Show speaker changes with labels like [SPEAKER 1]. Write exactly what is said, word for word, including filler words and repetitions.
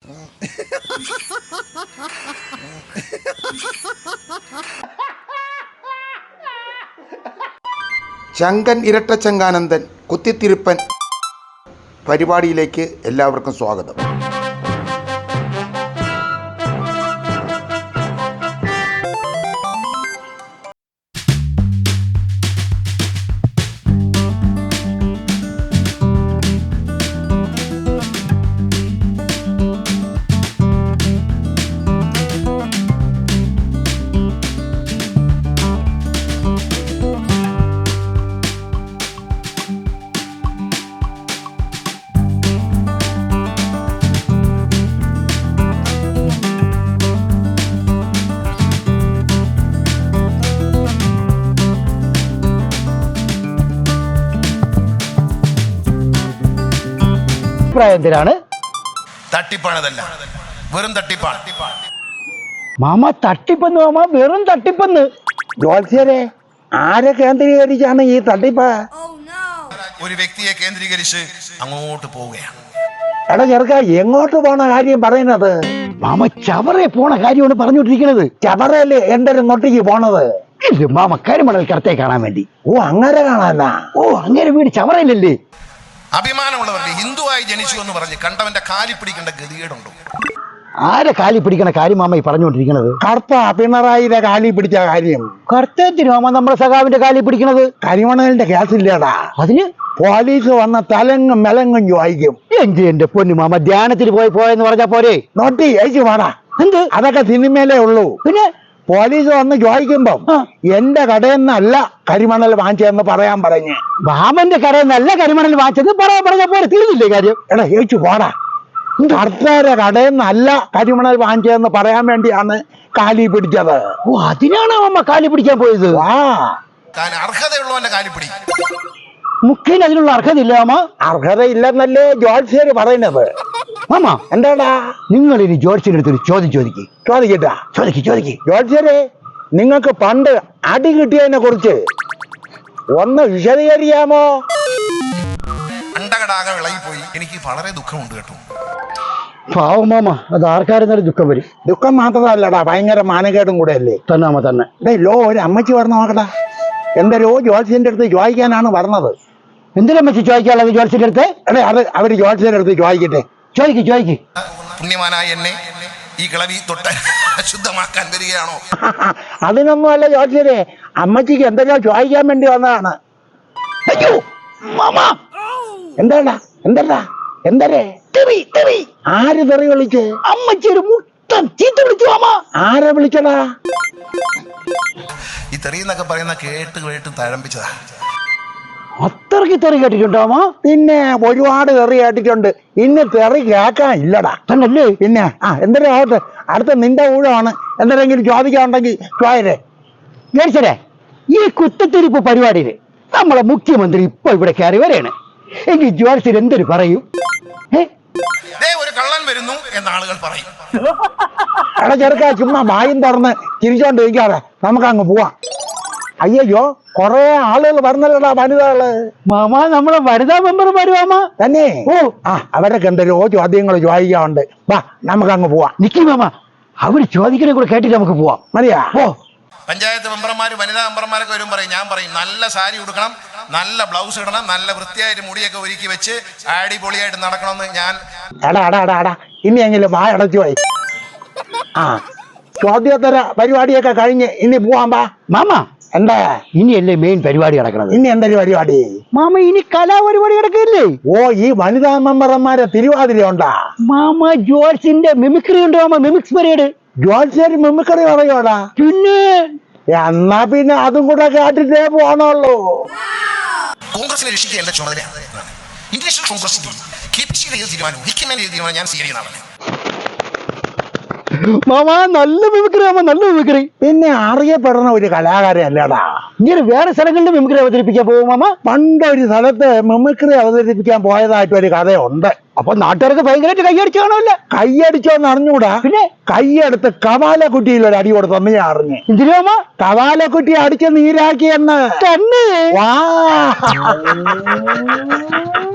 [SPEAKER 1] ചങ്കൻ ഇരട്ടച്ചങ്കാനന്ദൻ കുത്തിത്തിരുപ്പൻ പരിപാടിയിലേക്ക് എല്ലാവർക്കും സ്വാഗതം.
[SPEAKER 2] എന്തിനാണ്
[SPEAKER 3] തട്ടിപ്പാണതല്ല, വെറും തട്ടിപ്പാണ്.
[SPEAKER 2] മാമ തട്ടിപ്പെന്ന് മാമ വെറും തട്ടിപ്പെന്ന്.
[SPEAKER 4] ജോത്സ്യരെ ആരെ കേന്ദ്രീകരിച്ചാണ് ഈ തട്ടിപ്പ്?
[SPEAKER 3] ഒരു വ്യക്തിയെ കേന്ദ്രീകരിച്ച് അങ്ങോട്ട് പോവുകയാണ്.
[SPEAKER 4] എടാ ചെറുക്ക, എങ്ങോട്ട് പോണ കാര്യം പറയുന്നത്?
[SPEAKER 2] മാമ ചവറെ പോണ കാര്യമാണ് പറഞ്ഞോണ്ടിരിക്കുന്നത്.
[SPEAKER 4] ചവറല്ലേ എന്റെ ഇങ്ങോട്ടേക്ക് പോണത്?
[SPEAKER 2] മാമ കരിമണൽ കടത്തെ കാണാൻ വേണ്ടി.
[SPEAKER 4] ഓ അങ്ങനെ കാണാനാ?
[SPEAKER 2] ഓ അങ്ങനെ വീട് ചവറയിലല്ലേ?
[SPEAKER 3] അഭിമാനമുള്ളവർക്ക് ഹിന്ദുവായി ജനിച്ചു എന്ന് പറഞ്ഞ് കണ്ടവന്റെ കാലി പിടിക്കേണ്ട ഗതികേടുണ്ടോ?
[SPEAKER 2] ആരെ കാലി പിടിക്കണ കാര്യം മാമ ഈ പറഞ്ഞുകൊണ്ടിരിക്കുന്നത്?
[SPEAKER 4] കർത്ത പിണറായിയുടെ കാലി പിടിച്ച കാര്യം.
[SPEAKER 2] കർത്തത്തിന് മാമ നമ്മുടെ സഖാവിന്റെ കാലി പിടിക്കണത്?
[SPEAKER 4] കരിമണലിന്റെ കേസില്ലേടാ?
[SPEAKER 2] അതിന്
[SPEAKER 4] പോലീസ് വന്ന തലങ്ങും മെലങ്ങും ചോദിക്കും.
[SPEAKER 2] എന്റെ എന്റെ പൊന്നു മാമ ധ്യാനത്തിന് പോയി പോയെന്ന് പറഞ്ഞാ പോരെ?
[SPEAKER 4] നോട്ടി അയച്ചു പാടാ.
[SPEAKER 2] എന്ത്?
[SPEAKER 4] അതൊക്കെ സിനിമയിലേ ഉള്ളൂ.
[SPEAKER 2] പിന്നെ
[SPEAKER 4] പോലീസ് വന്ന് ചോദിക്കുമ്പോ എന്റെ കടയിൽ നിന്നല്ല കരിമണൽ വാങ്ങിച്ചതെന്ന് പറയാൻ പറഞ്ഞ്.
[SPEAKER 2] മാമന്റെ കടയിൽ നല്ല കരിമണൽ വാങ്ങിച്ചെന്ന് പറയാൻ പറഞ്ഞ പോലെ തീർന്നില്ലേ കാര്യം?
[SPEAKER 4] എടാ ഏച്ചു പോടാ. കർത്താരെ കടയിൽ നിന്നല്ല കരിമണൽ വാങ്ങിച്ചതെന്ന് പറയാൻ വേണ്ടിയാണ് കാലി പിടിച്ചത്.
[SPEAKER 2] ഓ അതിനാണ് മാമ കാലി പിടിക്കാൻ പോയത്?
[SPEAKER 4] ആ
[SPEAKER 3] അർഹതയുള്ളവന്റെ കാലി പിടി.
[SPEAKER 2] മുഖ്യന് അതിനുള്ള അർഹതയില്ല മാമ.
[SPEAKER 4] അർഹതയില്ലെന്നല്ലേ ജോത്സ്യര് പറയുന്നത്.
[SPEAKER 2] മാമ
[SPEAKER 4] എന്താടാ?
[SPEAKER 2] നിങ്ങൾ ഇനി ജോത്സ്യന്റെ അടുത്തൊരു ചോദ്യം ചോദിക്കും.
[SPEAKER 4] ചോദിക്കട്ടാ?
[SPEAKER 2] ചോദിക്ക് ചോദിക്ക്.
[SPEAKER 4] ജോത്സ്യരെ, നിങ്ങൾക്ക് പണ്ട് അടി കിട്ടിയതിനെ കുറിച്ച് ഒന്ന് വിശദീകരിക്കാമോ?
[SPEAKER 3] അണ്ടകടാകെ വിളകിപ്പോയി. എനിക്ക് വളരെ ദുഃഖമുണ്ട് കേട്ടോ.
[SPEAKER 2] പാവം മാമ, അത് ആർക്കാരെന്നാലും ദുഃഖം വരും.
[SPEAKER 4] ദുഃഖം മാത്രമല്ലടാ, ഭയങ്കര മാനക്കേടും കൂടെ അല്ലേ?
[SPEAKER 2] തന്നെ മാമ തന്നെ.
[SPEAKER 4] ഡേ ലോ ഒരു അമ്മച്ചി പറഞ്ഞ നോക്കടാ. എന്തരോ ജോത്സ്യന്റെ അടുത്ത് ചോദിക്കാനാണ് പറഞ്ഞത്.
[SPEAKER 2] എന്തിനമ്മച്ചി ചോദിക്കാനുള്ളത് ജോത്സ്യന്റെ അടുത്ത്?
[SPEAKER 4] അതെ അത് അവര് ജോത്സ്യന്റെ അടുത്ത് ചോദിക്കട്ടെ.
[SPEAKER 2] ചോദിക്ക് ചോദിക്ക്.
[SPEAKER 3] പുണ്യമാനായ എന്നെ ഈ കിളവി തൊട്ട് അശുദ്ധമാക്കാൻ വരികയാണോ?
[SPEAKER 4] അതിനൊന്നും അല്ല ജോത്സ്യരെ, അമ്മച്ചിക്ക് എന്തെല്ലോ ചോദിക്കാൻ വേണ്ടി വന്നതാണ്.
[SPEAKER 2] അയ്യോ മാമ,
[SPEAKER 4] എന്താടാ എന്താടാ എന്തരേ?
[SPEAKER 2] തെറി തെറി.
[SPEAKER 4] ആര് തെറി വിളിച്ച്?
[SPEAKER 2] അമ്മച്ചി ഒരു മുട്ടൻ ചീത്ത വിളിച്ചു മാമ.
[SPEAKER 4] ആരെ വിളിച്ചടാ?
[SPEAKER 3] ഈ തെറി എന്നൊക്കെ പറയുന്ന കേട്ട് കേട്ട് തഴമ്പിച്ചതാ.
[SPEAKER 2] അത്രയ്ക്ക് തെറി കേട്ടിട്ടുണ്ടോ മാമ?
[SPEAKER 4] പിന്നെ ഒരുപാട് തെറി കേട്ടിട്ടുണ്ട്. ഇന്ന് തെറി കേൾക്കാൻ ഇല്ലടാ.
[SPEAKER 2] തന്നല്ലേ?
[SPEAKER 4] പിന്നെ ആ എന്തൊരു ആവട്ടെ, അടുത്ത നിന്റെ ഊഴമാണ്. എന്തെങ്കിലും ചോദിക്കാനുണ്ടെങ്കിൽ ചോയരെ.
[SPEAKER 2] ജോത്സ്യരെ, ഈ കുത്തത്തിരിപ്പ് പരിപാടിയില് നമ്മളെ മുഖ്യമന്ത്രി ഇപ്പൊ ഇവിടെ കയറി വരെയാണ്. എങ്കിൽ ജോത്സ്യർ എന്തൊരു പറയും?
[SPEAKER 3] ഒരു കള്ളൻ വരുന്നു എന്ന് ആളുകൾ പറയും.
[SPEAKER 4] എടാ ചെറുക്ക, ചുമ്മാ വായും തുറന്ന് ചിരിച്ചോണ്ടിരിക്കാതെ നമുക്ക് അങ്ങ് പോവാം. അയ്യോ കൊറേ ആളുകൾ പറഞ്ഞല്ലടാ, വനിതകള്.
[SPEAKER 2] മാമ നമ്മളെ വനിതാ മെമ്പർ വരുവാമ
[SPEAKER 4] തന്നെ.
[SPEAKER 2] ഓ
[SPEAKER 4] ആ അവരൊക്കെ എന്തല്ലോ ചോദ്യങ്ങൾ ചോദിക്കാറുണ്ട്. വാ നമുക്ക് അങ്ങ് പോവാം.
[SPEAKER 2] നിക്കി മാമ, അവര് ചോദിക്കണേ കൂടെ കേട്ടിട്ട് നമുക്ക് പോവാം.
[SPEAKER 4] മതിയാ? ഓ
[SPEAKER 3] പഞ്ചായത്ത് മെമ്പർമാര് വനിതാ മെമ്പർമാരൊക്കെ വരും പറയും. ഞാൻ പറയും നല്ല സാരി ഉടുക്കണം, നല്ല ബ്ലൗസ് ഇടണം, നല്ല വൃത്തിയായിട്ട് മുടിയൊക്കെ ഒരുക്കി വെച്ച് അടിപൊളിയായിട്ട് നടക്കണമെന്ന് ഞാൻ.
[SPEAKER 4] എടാ എടാ എടാ എടാ ഇനി എങ്കിലും വാ അടച്ചു പോയി. ആ ചോദ്യോത്തര പരിപാടിയൊക്കെ കഴിഞ്ഞ് ഇനി പോവാൻ പാ.
[SPEAKER 2] മാമ
[SPEAKER 4] എന്താ
[SPEAKER 2] ഇനിയല്ലേ മെയിൻ പരിപാടി നടക്കണത്?
[SPEAKER 4] ഇനി എന്തൊരു പരിപാടി
[SPEAKER 2] മാമ? ഇനി കലാപരിപാടി നടക്കില്ലേ?
[SPEAKER 4] ഓ ഈ വനിതാ മെമ്പർമാരെ തിരുവാതിര ഉണ്ടാ?
[SPEAKER 2] മാമ ജോത്സ്യന്റെ മിമിക്രി ഉണ്ട് മാമ, മിമിക്സ് പരേഡ്.
[SPEAKER 4] ജോത്സ്യര് മിമിക്രി പറയോടാ?
[SPEAKER 2] പിന്നെ
[SPEAKER 4] എന്നാ പിന്നെ അതും കൂടെ കേട്ടിട്ടേ പോണുള്ളൂ.
[SPEAKER 3] കോൺഗ്രസിനെ രക്ഷിക്കുക എന്റെ ചുമതലയാണ്. ഇന്ത്യൻ കോൺഗ്രസിന്റെ തീരുമാനവും ഹിക്കിമേന്റെ തീരുമാനം ഞാൻ സ്വീകരിക്കുന്നതാണ്.
[SPEAKER 2] മാമ നല്ല മിമിക്രി മാമ, നല്ല മിമിക്രി.
[SPEAKER 4] പിന്നെ അറിയപ്പെടുന്ന ഒരു കലാകാരൻ അല്ലടാ.
[SPEAKER 2] ഇങ്ങനെ വേറെ സ്ഥലങ്ങളിൽ മിമിക്രി അവതരിപ്പിക്കാൻ പോകും മാമ?
[SPEAKER 4] പണ്ടൊരു സ്ഥലത്ത് മിമിക്രി അവതരിപ്പിക്കാൻ പോയതായിട്ട് ഒരു കഥയുണ്ട്.
[SPEAKER 2] അപ്പൊ നാട്ടുകാർക്ക് ഭയങ്കരമായിട്ട് കൈയടിച്ചു കാണുമല്ലോ.
[SPEAKER 4] കൈയടിച്ചോന്ന് അറിഞ്ഞൂടാ. പിന്നെ കൈയെടുത്ത് കവാലക്കുട്ടിയിൽ ഒരു അടി കൊടുത്തെന്ന് ഞാൻ അറിഞ്ഞു.
[SPEAKER 2] എന്തിനാ മാമ?
[SPEAKER 4] കവാലക്കുട്ടി അടിച്ച് നീരാക്കിയെന്ന്.
[SPEAKER 2] തന്നെ?
[SPEAKER 4] വാ